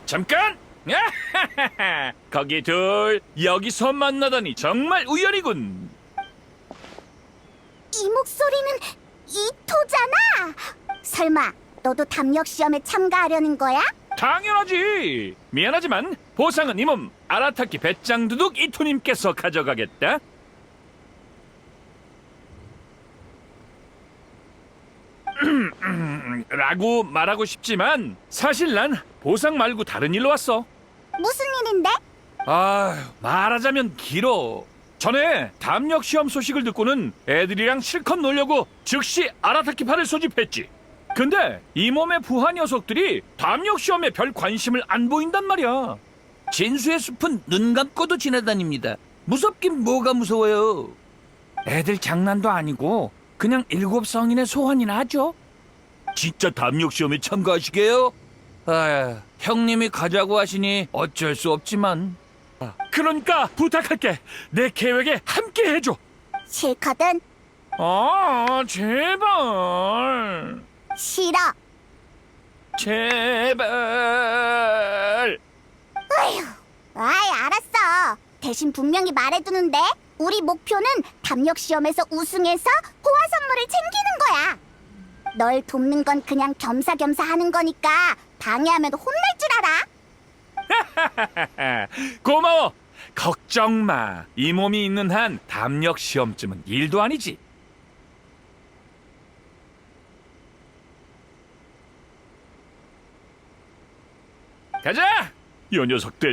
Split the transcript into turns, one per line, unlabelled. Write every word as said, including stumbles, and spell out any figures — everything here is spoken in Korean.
잠깐! 거기 둘 여기서 만나다니 정말 우연이군.
이 목소리는 이토잖아. 설마 너도 담력 시험에 참가하려는 거야?
당연하지. 미안하지만 보상은 이 몸 아라타키 배짱두둑 이토님께서 가져가겠다. 라고 말하고 싶지만 사실 난 보상 말고 다른 일로 왔어.
무슨 일인데?
아, 말하자면 길어. 전에 담력 시험 소식을 듣고는 애들이랑 실컷 놀려고 즉시 아라타키파를 소집했지. 근데 이 몸의 부하 녀석들이 담력 시험에 별 관심을 안 보인단 말이야.
진수의 숲은 눈 감고도 지나다닙니다. 무섭긴 뭐가 무서워요.
애들 장난도 아니고 그냥 일곱 성인의 소원이나 하죠.
진짜 담력 시험에 참가하시게요? 아, 형님이 가자고 하시니 어쩔 수 없지만.
그러니까 부탁할게. 내 계획에 함께 해줘.
싫거든.
아, 제발.
싫어.
제발.
어휴. 아이, 알았어. 대신 분명히 말해두는데 우리 목표는 담력 시험에서 우승해서 호화 선물을 챙기는 거야. 널 돕는 건 그냥 겸사겸사 하는 거니까 방해하면 혼날 줄 알아.
고마워. 걱정 마. 이 몸이 있는 한 담력 시험쯤은 일도 아니지. 가자. 요 녀석들.